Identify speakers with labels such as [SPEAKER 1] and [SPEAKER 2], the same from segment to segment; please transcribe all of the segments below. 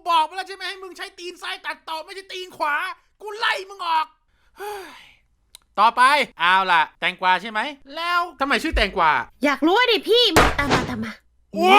[SPEAKER 1] บอกมาแล้วใช่ไหมให้มึงใช้ตีนซ้ายตัดต่อไม่ใช่ตีนขวากูไล่มึงออกต่อไปเอาล่ะแตงกวาใช่ไหมแล้วทำไมชื่อแตงกวา
[SPEAKER 2] อยากรู้ดิพี่มาตามมา
[SPEAKER 1] โอ้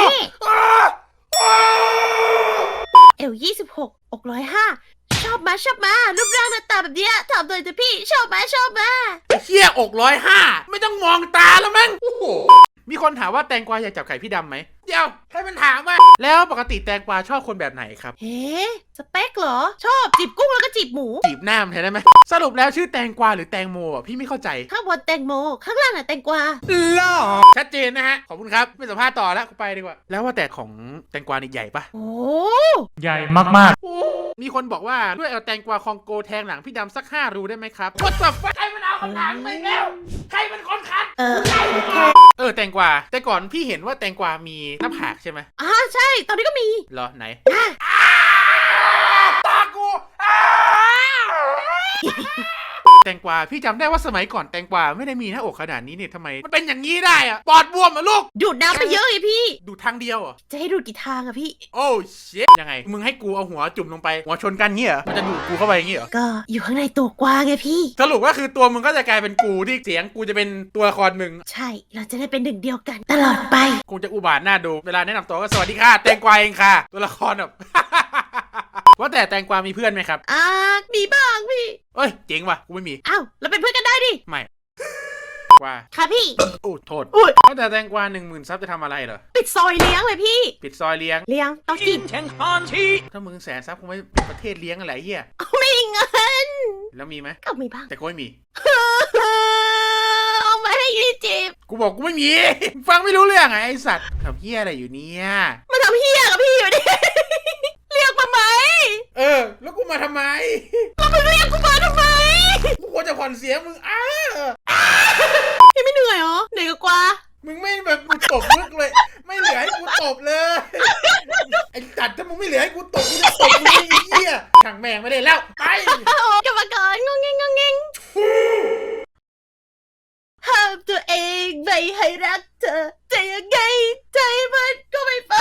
[SPEAKER 2] เอว26อก105ชอบมารูปร่างหน้าตาแบบเนี้ยถามหน่อยเถอะพี่ชอบมา
[SPEAKER 1] เฮียอก105ไม่ต้องมองตาแล้วมั้งโอ้โหมีคนถามว่าแตงกวาอยากจับไข่พี่ดำไหมเดี๋ยวใครมันถามว่าแล้วปกติแตงกวาชอบคนแบบไหนครับ
[SPEAKER 2] เฮ้สเปคเหรอชอบจีบกุ้งแล้วก็จีบหมู
[SPEAKER 1] จีบหน้ามันได้ไหมสรุปแล้วชื่อแตงกวาหรือแตงโมอ่ะพี่ไม่เข้าใจ
[SPEAKER 2] ข้างบนแตงโมข้างล่างน่ะแตงกวา
[SPEAKER 1] ล่อชัดเจนนะฮะขอบคุณครับไม่สัมภาษณ์ต่อแล้วกูไปดีกว่าแล้วว่าแต่ของแตงกวานี่ใหญ่ปะ
[SPEAKER 2] โอ้
[SPEAKER 3] ใหญ่มาก
[SPEAKER 1] ๆมีคนบอกว่าด้วยเอาแตงกวาคองโกแทงหลังพี่ดำสัก5 รูได้ไหมครับว่าแต่ใครมันเอาคำถามไปแล้วใครเป็นคนคัดแตงกวาแต่ก่อนพี่เห็นว่าแตงกวามีหน้าผากใช่ไหม
[SPEAKER 2] ใช่ตอนนี้ก็มี
[SPEAKER 1] เหรอไหนตากูแตงกวาพี่จำได้ว่าสมัยก่อนแตงกวาไม่ได้มีหน้าอกขนาดนี้เนี่ยทำไมมันเป็นอย่างนี้ได้อะปอดบวมอะลูก
[SPEAKER 2] ดูดน้ำไปเยอะไงพี่
[SPEAKER 1] ดูทางเดียวอะ
[SPEAKER 2] จะให้ดูดกี่ทางอะพี่
[SPEAKER 1] โอ้ชิตยังไงมึงให้กูเอาหัวจุ่มลงไปหัวชนกันเงี้ยมันจะดูดกูเข้าไปอย่างเงี้ย
[SPEAKER 2] ก็อยู่ข้างในตัวกวางไงพี่
[SPEAKER 1] สรุปว่าคือตัวมึงก็จะกลายเป็นกูที่เสียงกูจะเป็นตัวละครมึง
[SPEAKER 2] ใช่เราจะได้เป็นหนึ่งเดียวกันตลอดไป
[SPEAKER 1] คงจะอุบาทน่าดูเวลาแนะนำตัวก็สวัสดีค่ะแตงกวาเองค่ะตัวละครแบบว่าแต่แตงกวามีเพื่อนไหมครับ
[SPEAKER 2] มีบ้างพี่
[SPEAKER 1] เอ้ยเจ๋งว่ะกูไม่มี
[SPEAKER 2] อ้าวเราเป็นเพื่อนกันได้ดิ
[SPEAKER 1] ไม่กวา
[SPEAKER 2] ค่ะพี่
[SPEAKER 1] โอ้โทษว่าแต่แตงกวา10,000 ซับจะทำอะไรเหรอ
[SPEAKER 2] ปิดซอยเลี้ยงเลยพี่
[SPEAKER 1] ปิดซอยเลี้ยง
[SPEAKER 2] ต้องกิน
[SPEAKER 1] ถ้ามึง100,000 ซับคงไม่เป็นประเทศเลี้ยงอะไรเหี้ย
[SPEAKER 2] ไม่มีเงิน
[SPEAKER 1] แล้วมีไหม
[SPEAKER 2] ก็มีบ้าง
[SPEAKER 1] แต่กูไม่มี
[SPEAKER 2] เอามาให้ยี่จีบ
[SPEAKER 1] กูบอกกูไม่มีฟังไม่รู้เรื่องไอ้สัตว์ทำเหี้ยอะไรอยู่เนี่ย
[SPEAKER 2] มาทำเหี้ยกับพี่อยู่ดิเรียกมาไหม
[SPEAKER 1] แล้วกูมาทำไม
[SPEAKER 2] แล้วมึงเรียกกูมาทำไม
[SPEAKER 1] กูควรจะผ่อนเสียงมึง
[SPEAKER 2] ยังไม่เหนื่อยเหรอเหนื่อยกว่า
[SPEAKER 1] มึงไม่แบบกูตบมึกเลยไม่เหลือให้กูตบเลยไอ้จัดถ้ามึงไม่เหลือให้กูตบกูจะตบมึงไอ้เหี้ยช่างแม่งไม่ได้แล้วไป
[SPEAKER 2] กลับมาก่อนงงเงงห้ามตัวเองไม่ให้รักเธอจะยังไงใจมันก็ไม่ไป